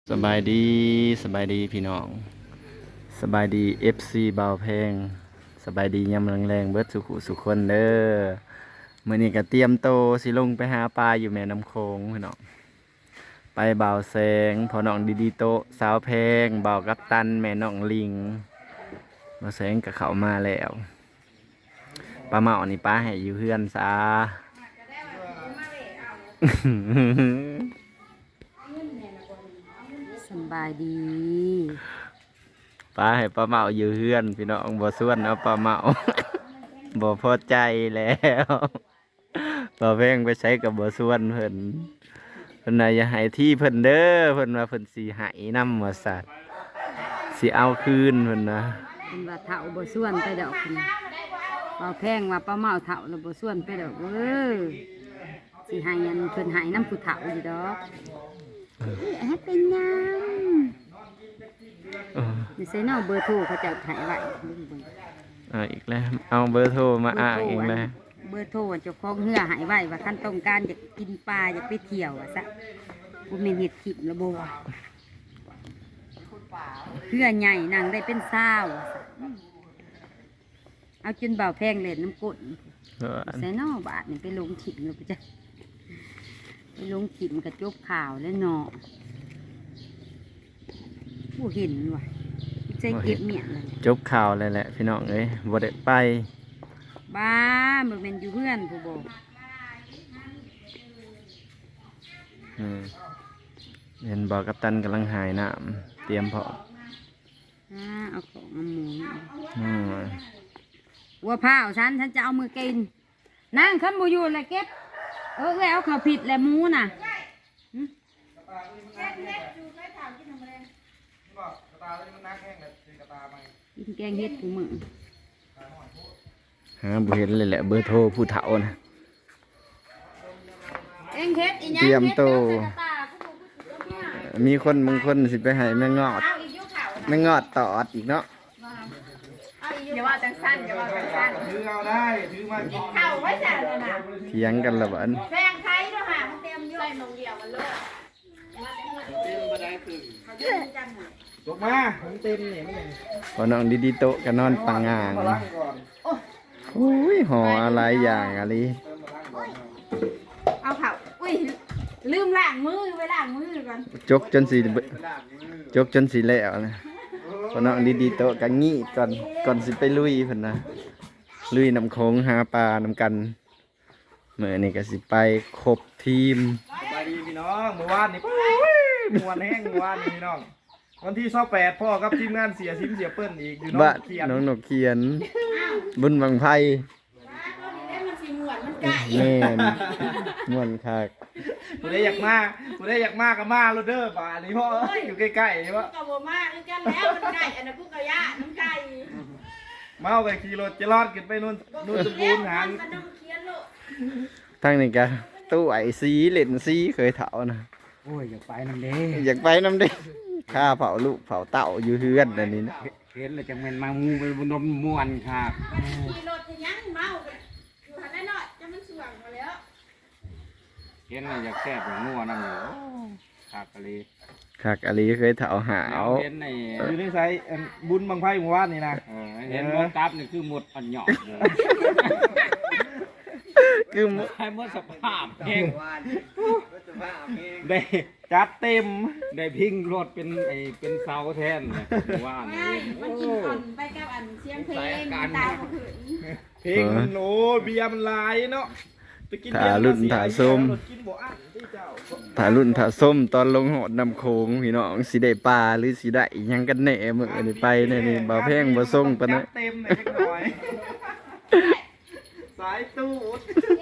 สบายดีสบายดีพี่น้องสบายดี FC เบาแพงสบายดียามแรงๆเบิดสุขุสุขคนเด้อมื้อนี้ก็เตรียมโตสิลงไปหาปลาอยู่แม่น้ำโขงพี่น้องไปเบาแสงพอน้องดีโตสาวแพงเบากัปตันแม่น้องลิงเบาแสงก็เข้ามาแล้วปลาเมานี่ป้าให้อยู่เฮือนซะสบายดีป้าให้ป้าเมาอยู่เฮือนพี่น้องบ่ส่วนเอาป้าเมา บ่พอใจแล้วบ่แพงไปใช้กับบ่ส่วนเพิ่นน่ะอย่าให้ที่เพิ่นเด้อเพิ่นว่าเพิ่นสิให้นำว่าสัตว์สิเอาคืนเพิ่นนะเป็นว่าเฒ่าบ่ส่วนไปดอกคุณป้าแพงว่าป้าเมาเฒ่าแล้วบ่ส่วนไปดอกสิให้อันเพิ่นให้น้ำผู้เฒ่าอยู่ดอกเป็นหยังเออนี่ใส่เนาะเบอร์โทรเขาจะให้ไว้เบิ่งอีกแล้วเอาเบอร์โทรมาอ้างอีกแล้วเบอร์โทรเจ้าของเหือให้ไว้ว่าคันต้องการอยากกินปลาอยากไปเที่ยวว่าซะบ่แม่นเฮ็ดคลิประบ่ว่าเหือใหญ่นางได้เป็น20ว่าซะเอาจนเบาแพงเล่นน้ำกล ใส่นอบาทนี่ไปลงถิ่มเลยปะจ๊ะไปลงถิ่มกระจบข่าวแล้วเนาะผู้เห็นว่ะใส่เก็บเมียนเลยจบข่าวเลยแหละพี่น้องเอ้ยบ่ได้ไปบ้ามันเป็นอยู่เพื่อนผู้บอกเห็นบอกกัปตันกำลังหายน้ำเตรียมพร้อมเอาของเอาหมูอืมวัวผ้าฉันจะเอามือกินนั่งขึ้นบูอยู่เลยเก็บเอาข้าวผิดและหมูน่ะหึกินแกงเห็ดผู้มือหาบ่เห็นเลยแหละเบอร์โทรผู้เฒ่านะแกงเห็ดอีหยังเตรียมโตเห็ดใส่กระตาผู้บอกมีคนบางคนสิไปให้แม่งอดเอาอีกยุ่งข่าวแม่งอดตอดอีกเนาะอย่าว่าจังสั้นอย่าว่าจังสั้นถือเอาได้ถือมากินเข่าไว้จ้ะเลยนะเถียงกันละบันแพงไทยด้วยค่ะมันเต็มอยู่ใส่นมเดียวมันเลยเต็มมาได้ถึงยกมาผมเต็มเนี่ยไม่ยังพอน้องดีโตะก็นอนปังงางมาล้างก่อนโอ้ยห่ออะไรอย่างอะไรเอาเข่าอุ้ยลืมล้างมือไปล้างมือก่อนจกจนสีจกจนสีแล้วนะพอน้องดีโตะก็งี้ก่อนสิไปลุยเพิ่นนะลุยน้ำโขงหาปลานำกันเมื่อนี่ก็สิไปครบทีมสบายดีพี่น้องเมื่อวานนี่มวนแห้งเมื่อวานนี่พี่น้องวันที่28พ่อกับทีมงานเสียซิมเสียเปิ้ลอีกอยู่น้องบ้านเขียนน้องนกเขียน บุญบังไพแม่นม่วนคักกูได้อยากมาก็มาโรเดอร์ป่านี่พ่ออยู่ใกล้ๆนี่วะกับโบมาคือกันแล้วมันไก่อันนั้นกูกะยะน้ำไก่มาเอาไปขี่รถจะรอดขึ้นไปนู่นสมบูรณ์หานมันน้ำเคียนโลกทั้งนี้ก็ตู้ไอซีเล่นซีเคยเถานะโอ้ยอยากไปน้ำเด้อยากไปน้ำเด้ข้าเผาลูกเผาเต่าอยู่เฮือนอันนี้นะเห็นเลยจังแม่นมามูไปบนนมม่วนค่ะขี่รถจะยังเมาอยู่หันได้หน่อยจะมันสว่างมาแล้วเห็นเลยอยากแซ่บอย่างงัวนั่นอยู่ขากะลีคักอะไรเคยเถาหาวเห็นในอยู่ในไซบุญบางไพ่หมู่บ้านนี่นะเห็นหมดตับนี่คือหมดอันหยอกเลยคือให้หมดสภาพเองได้จัดเต็มได้พิงรถเป็นเสาแทนเนี่ยว่าไม่มันกินก่อนไปกับอันเสียงเพลงตาขืนเพลงมันโอ้เบียร์มันลายเนาะไปกินเบีถายร์รุ่นถาส้มกินบ่อั้นที่เจ้าถารุ่นถาส้มตอนลงหอดนำโขงพี่น้องสีได้ปลาหรือสีได้อิหยังกันแน่มื้อนี้ไปเนี่ยนี่บ่าวแพงบ่ส่งปานจันั้ดเต็มเลยจักหน่อยสายตูด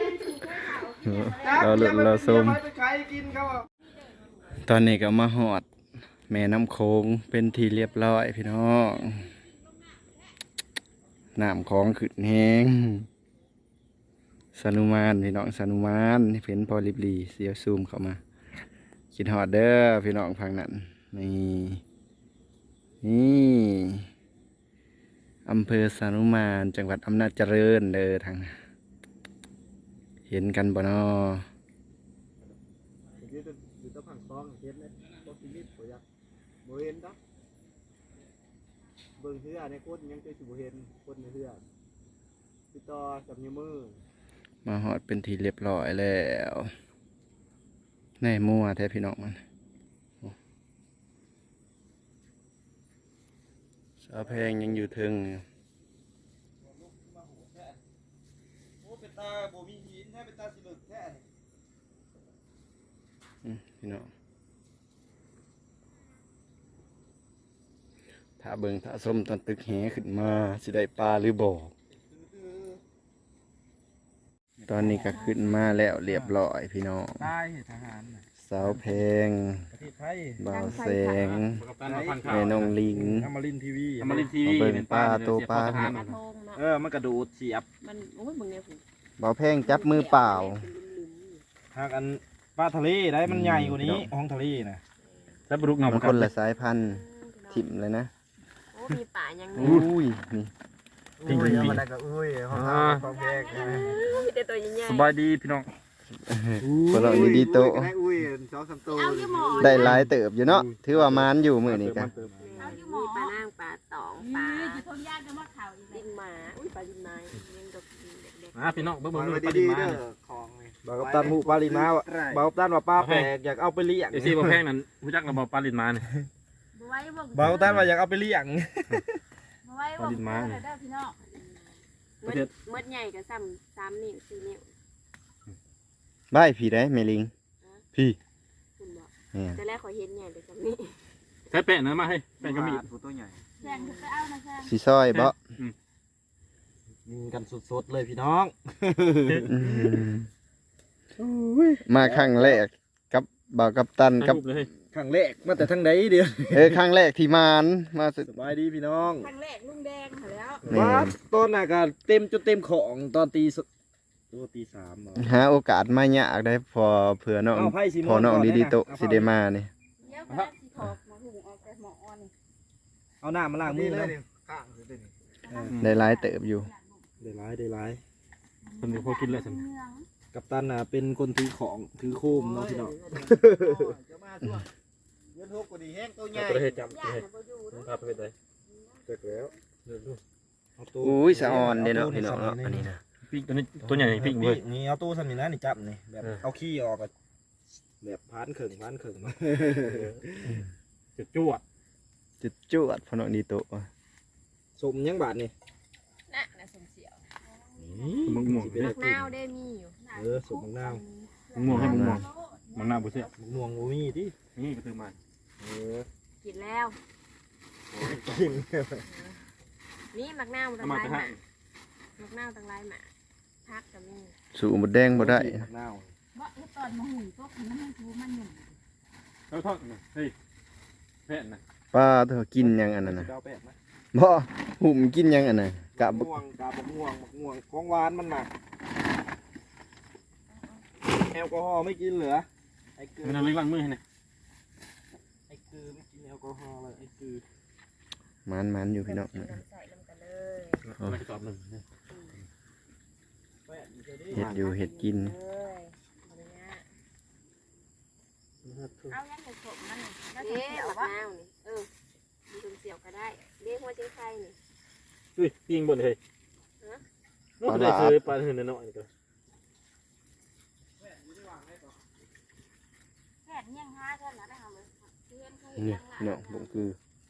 เราลุ้นเราส้มไปขายกินเขาตอนนี้ก็มาหอดแม่น้ำโขงเป็นที่เรียบร้อยพี่น้องน้ำของขึ้นแห้งสนุมานพี่น้องสนุมานเห็นพอริบลีเสียวซูมเข้ามาคิดหอดเด้อพี่น้องฟังนั้นนี่อำเภอสนุมานจังหวัดอำนาจเจริญเด้อทางนั้นเห็นกันบ่นออยู่ตะผังซองเฮ็ดเลยบ่กินนิดบ่อยากบ่เห็นดอกเบิ่งเฮือในคนยังเคยสิบ่เห็นคนในเฮือพี่ต่อกับนิ้วมือมาฮอดเป็นทีเรียบร้อยแล้วแน่มั่วแท้พี่น้องมันสาวแพงยังอยู่เทึงอยู่โอ้เป็นตาบ่มีหินแท้เป็นตาสิลึกแท้นี่พี่น้องถ้าเบิ่งถ้าส้มตอนตึกแหขึ้นมาสิได้ปลาหรือบ่ตอนนี้ก็ขึ้นมาแล้วเรียบร้อยพี่น้องตายทหารน่ะสาวแพงประเทศไทยบ่าวแสงกับตันมาพันข่าวแม่น้องลิงอมรินทร์ทีวีเอามาเล่นทีวีเอาเบิ่งเป็นปลาตัวปลาเสียบเข้ทหรกระทงเนาะมันกระโดดเสียบมันโอ้ยมึงเนี่ยผมบ่าวแพงจับมือเปล่าหากอันปลาทะเลได้มันใหญ่กว่านี้พี่น้องห้องทะเลน่ะแล้วปลุกเงามันคนละสายพันธุ์ถิ่มเลยนะโอ้มีป่ายังอุ้ยนี่ปิ้งอุ้ยปิ้งมันก็อุ้ยห้องความแยกมีแต่ตัวใหญ่สบายดีพี่น้องคนเรานี่ดีโตะได้อุ้ย2-3ตัวเอาอยู่หมอได้หลายเติบอยู่เนาะถือว่ามานอยู่มื้อนี้กันเอาอยู่หมอมีปลานั่งปลาตองปลาอยู่ทงยากจะมาเข่าอีกดินหมาอุ้ยปลาดินไม้ยังดกเด็กพี่น้องเบิ่งมันปไม่ลาดีดินเด้มาอของบ่าวกัปตันหมู่ปลาลินมาบ่าวกัปตันว่าปลาแปลกอยากเอาไปเลี้ยงเอซี่บ่แพงนั่นรู้จักระบบปลาดินมาเนี่ยบ่ไว้บ่บ่าวกัปตันว่าอยากเอาไปเลี้ยงบ่ไว้บ่เด้อพี่น้องๆเมื่อใหญ่กับ3 นิ้ว 4 นิ้วบายพี่ได้แม่ลิง พี่คุณบอกเนี่ยแต่แรกขอเห็นใหญ่แต่3 นิ้วใช้แป้งนะมาให้แป้งก็มีตัวใหญ่แซงไปเอานะแซงสิซอยบ่ยิงกันสดๆเลยพี่น้องมาครั้งแรกกับบ่าวกัปตันกับเลยครั้งแรกมาแต่ทางใดเดียวครั้งแรกที่มานมาสุดสบายดีพี่น้องครั้งแรกลุงแดงหาแล้วนี่ว่าตอนน่ะก็เต็มจนเต็มของตอนตีสามเหรอหาโอกาสมายากได้พอเผื่อน้องเอาไพ่สิมอนพอน้องก่อนดีดีนะโตะเอาสิได้มานี่เดี๋ยวก็สิถอกมาหุงออกแต่หมออ่อนนี่เอาหน้ามาล้างมือเลยได้หลายเติบอยู่ได้ร้ายคนดูพอกินเลยสิเมืองกับตันน่ะเป็นคนถือของถือโคมเนาะพี่น้องจะมาช่วงเงินทุกกว่าดีแห้งตัวใหญ่ประเทศจับย่างน่ะบ่อยู่เด้อประเทศใดเกิดแล้วเอาตู้อุ้ยสะออนเด้เนาะพี่น้องเนาะอันนี้นะปิ้งตัวนี้ตัวใหญ่ปิ้งเลยนี่เอาตู้สมินะนี่จับนี่แบบเออเอาขี้ออกอะแบบพานเข่งมาจุดจวดจุดจวดพอน้องดีโตะสมยังบาทนี่น่ะสมเสียวมึงม่วงมักนาวได้มีอยู่สมมังนาวมึงม่วงให้มึงม่วงมังนาวบุเสียมังม่วงโมมี่ดินี่ก็คือมันกินแล้วกินนี่มักนาวตั้เอางมาหลายไปหให้มามักนาวตั้งหลายหมาพักก็มีสู่หมดแดงบ่ได้มังนาวบ่เฮ็ดตอนมาหุงตกมันให้ทูมันหยุ่มแล้วทอดเฮ้ยแผ่นนะป้าเธอกินหยังอันนั้นน่ะดาวแปดนะบ่หุ่มกินหยังอันน่ะกะบ่ม่วงกาบม่วงของหวานมันหนักแอลกอฮอล์ไม่กินเหลือไอ้เกลือมันเอาเล็กล้างมือให้หน่อยไอ้เกลือไม่กินแอลกอฮอล์เลยไอ้เกลือมันอยู่พี่น้องน้ำใส่ลงกันเลยมันจะตอบหนึ่งแปดอยู่ดิเฮ็ดอยู่เฮ็ดกินเลยเอาเลยนะเอายังจะสมมันนี่แล้วเอ๊จะเสียวมักว่านาวนี่มีสมเสียวก็ได้เรียกว่าจิ้งไข่นี่อุ้ยปิ้งบนเลยนู่นได้ซื้อปลาหื่นน้อยๆก็แค่เงี้ยงหาเท่านั้นได้เฮาเลยเพื่อนเขาเห็นนี่ยังพี่น้องบ่คือ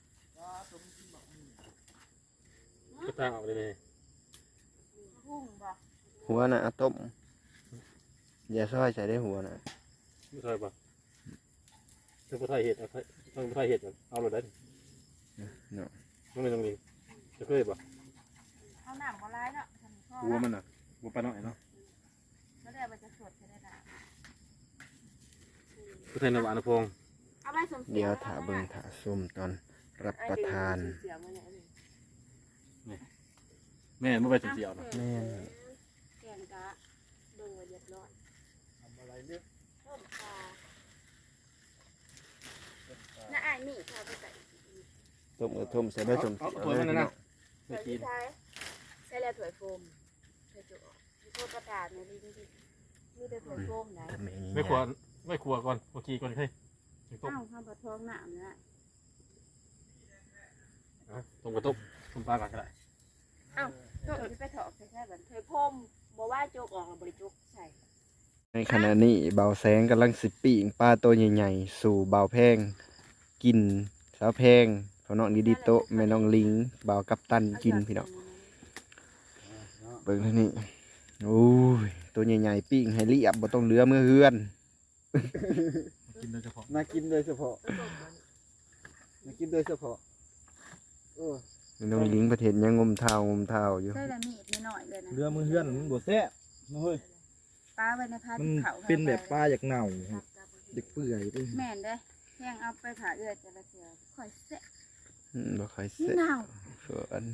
ก็ตาออกเลยเลยหุงบ่หัวน่ะเอาต้มอย่าซอยใส่ได้หัวน่ะไม่ใช่ป่ะถ้าผู้ไทยเห็ดเอาต้องผู้ไทยเห็ดเอาเลยได้เนาะต้องเป็นตรงนี้จะเคยป่ะเอาน้ำบ่หลายเนาะทำพ่อวัวมันอ่ะวัวปลาหน่อยเนาะแล้วเดี๋ยวมันจะสดจะได้น้ำผู้ไทยนวานพงเอาไปสมเสีเดี๋ยยว วถาเบิ่งถาส้มตอนรับประทานเสียวมาเนี่ยนี่แม่ไม่ไปเสียวนะแม่นแกงกะเบิ่งว่าเรียบร้อยทำอะไรเนี่ยเพิ่มปลาน่าอายมีข้าวไปใส่ต้มกระท่มใส่ได้ส้มเอาเสียวตัวเลยมันพี่นะน้องใส่ที่ท้ายใส่แล้วถั่วโฟมใส่จุกมีโคตรประกาศในลิ้นดิมีแต่ถั่วโฟมไหนทำอย่างนี้ไม่ครัวก่อนเมื่อกี้ก่อนเคยต้มเอ้าข้าวปลาทองน้ำเนี่ยตกระตุกต้มปลาก่อนก็ได้เอ้าโจกที่ไปถอกใส่แค่แบบเธอพมบอกว่าโจกออกกับบริจุกใส่ในขณะนี้เบาแสงกำลังสิปีงปลาตัวใหญ่ๆสู่เบาแพงกินสาวแพงพ่อน้องดิดิโตะแม่น้องลิงเบากัปตันกินพี่น้องเบิ่งเท่านี้โอ้ยตัวใหญ่ๆปิ้งให้เรียบบ่ต้องเหลือมือเฮือนกินโดยเฉพาะมากินโดยเฉพาะมากินโดยเฉพาะโอ้แม่น้องลิงประเทศยังงมเท้อยู่ใส่ละมีดนิดหน่อยเลยนะเรือมือเฮือนมันบ่แซ่บนะเฮ้ยปลาไว้ในผ้ามันเขาเป็นแบบปลาอยากเน่าเด็กเปื่อยด้วยแม่นเด้แห้งเอาไปผ่าเอื้อจะละเสือค่อยเสะบ่ค่อยเสร็จหนาวส่วน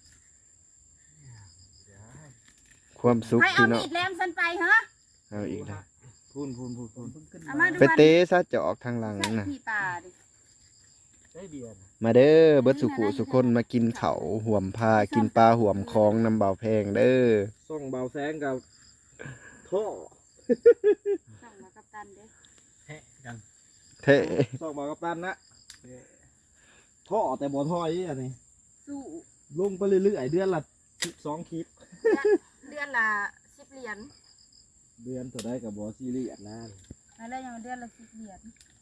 ความสุขให้เอาพี่น้อมีงดแหลมสันไปเหรอเอาอีกแล้วพูนเอามาดูไปเตะซะจะออกทางหลังใส่น่ะขี้ปลาดิได้เบียร์มาเด้อเบิดสุขุสุคนมากินเขาวห่วมพากินปลาห่วมคลองน้ำเบาแพงเด้อส่องเบาแสงกับท่อส่องมากับตันเด้แทะกันเท่ส่องเบากับตันนะท่อแต่บ่ท่อยอันนี้สู้ลงไปเรื่อยๆเดือนละ12คลิปเดือนละ10 เหรียญเดือนตัวได้กับบ่ซีรีส์นะแล้วยังเดือนละ10 เหรียญ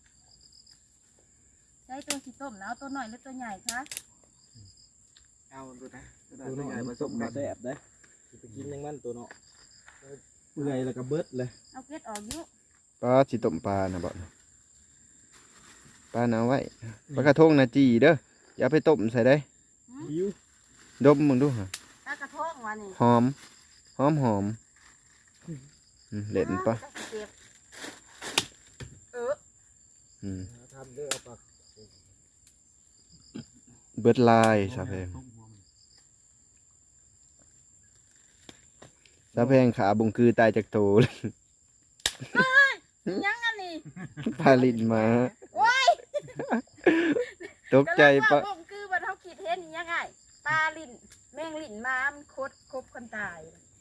ใช้ตัวสีต้มนะเอาตัวหน่อยหรือตัวใหญ่คะเอาตัวนะตัวน้อยผสมกับแซ่บได้ไปกินยังมันตัวเนาะเปื่อยแล้วก็เบิดเลยเอาเกล็ดออกอยุปลาสิต้มปลานะบ่ปลาน่ะเอาไว้ปลากระทงนะจีเด้ออย่าไปต้มใส่ได้หิวดมมึงดูฮะปลากระทงวะนี่หอมเล่นปะเก็บอืมทำเด้อเอาปากเบิดลายสาแพงสาแพงขาบุงคือตายจากโตเลยยังอันนี้พาลินมาโอ้ยตกใจปะผมคือบัดเขาคิดเห็นยังไงปลาลิ้นแมงลิ้นม้ามนครบคนตาย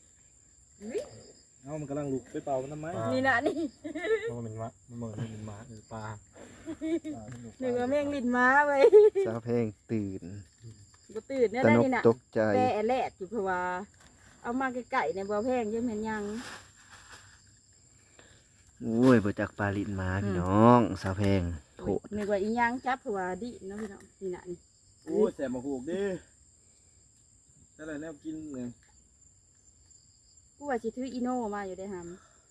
เอามันกำลังลุกไปเป่ามันทำไมนี่นะนี่มันเป็นวะมันเหมือนเป็นหมาหรือปลาหนึ่งแมงลิ้นม้าไว้สาแพงตื่นบ่ตื่นเนี่ยตได้นกนี่นะตกใจแต่แลดอยู่เพราะว่าเอามาไก่ในบ่อแพงยังเห็นยังโอ้ยบ่จักปลาลินมาพี่น้องสาแพงโหดนึกว่าอีหยังจับเพราะว่าดิเนาะพี่น้องนี่นะนี่โอ้ยแสบมาหูกดิแต่ละแนวกินเนี่ยกูว่าสิถืออีโน่มาอยู่ได้หำ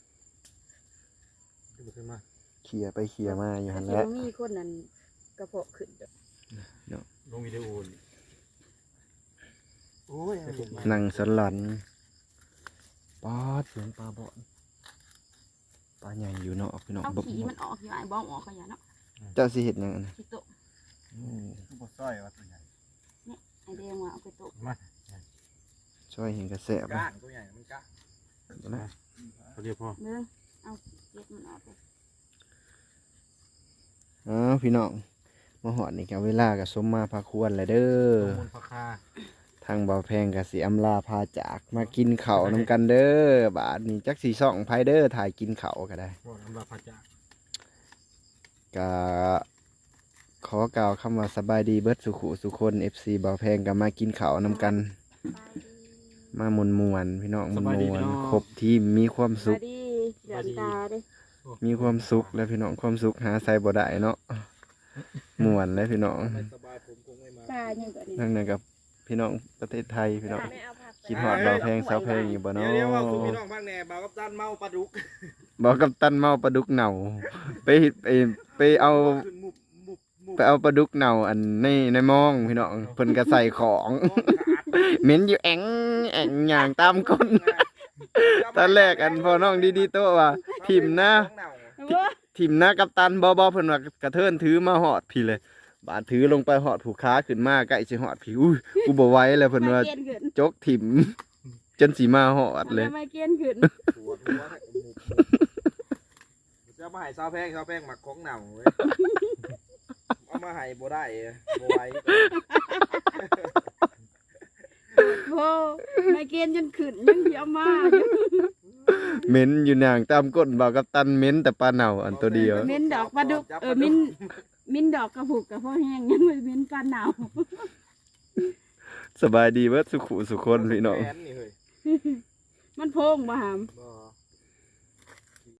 ที่มันขึ้นมาเขี่ยไปเขี่ยมาอยู่หันสิแหล้วบ่มีคนนั้นกระเพาะขึ้นเด้อลงวิดีโอโอ้ยนั่งสนหลันปอดเสียงปลาบ่อนปลาใหญ่อยู่เนาะพี่น้องเอาบ่ขี้มันออกอยู่ไอ้บ้องออกขยะเนาะเจ้าสิเฮ็ดหยังอันนั้นขี้โตะคือบ่ซ้อยวะตัวใหญ่ไอ้แดงว่าเอาไปโตะมาช่วยเห็นกระแสบก้างตัวใหญ่มันก้างนะเขาเรียกพ่อเด้อเอาเก็บมันออกไปอ้าวพี่น้องมาหอดนี่ก็เวลาก็สมมาพาควรแล้วเด้อมูลพาคาทางบ่าวแพงก็สิอำลาพาจากมากินข้าวนำกันเด้อบาดนี้จักสิส่องไผเด้อถ่ายกินข้าวก็ได้บอกน้ำลาพาจากก็ขอกล่าวคำว่าสบายดีเบิดสุขุสุคน FC บ่าวแพงก็มากินข้าวนำกัน มามวนๆพี่น้องมวนๆครบทีมมีความสุมาขดิเดือดตาเด้มีความสุขแล้วพี่น้องความสุขหาใส่บ่ได้เนาะม่วนแล้วพี่น้องไม่สบายผมคงไม่มาตายังก็นี่ทั้งนั้นกับพี่น้องประเทศไทยพี่น้องไม่เอาผักคิดฮอดบ่าวแพงสาวแพงอยู่บ่เนาะเดี๋ยวว่าคุณพี่น้องบ้างแน่บ่าวกับตันเมาปลาดุกบอกกับตันเมาปลาดุกเน่าไปไปเอาขึ้นมุบไปเอาปลาดุกเน่าอันในหมองพี่น้องเพิ่นก็ใส่ของเหม็นอยู่แองอย่างตามก้นตอนแรกอันพอน้องดีๆโตว่าทิมนะทิมนะกับตันบ่เพิ่นว่ากระเทินถือมาหอดพี่เลยบาดถือลงไปหอดผูกขาขึ้นมาใกล้สิหอดพี่อุ้ยกูบ่ไหวแล้วเพิ่นว่าเกียนขึ้นจกถิ่มจนสีมาหอดเลยไม่เกียนขึ้นหัวจะมาให้ซาวแพงหมักของเน่าเว้ยเอามาให้บ่ได้บ่ไหวโอ้ไม่เกียนจนขึ้นยังเดียวมาอยู่เหม็นอยู่นางตามก้นบ่าวกับตันเหม็นแต่ปลาเน่าอันตัวเดียวมิ้นดอกปลาดุกมิ้นดอกกระผูกกระเพาะแห้งยังไม่มิ้นปลาหนาวสบายดีเบิดสุขุสุคนพี่น้องแขนนี่เฮ้ยมันโพงบ่หามบ่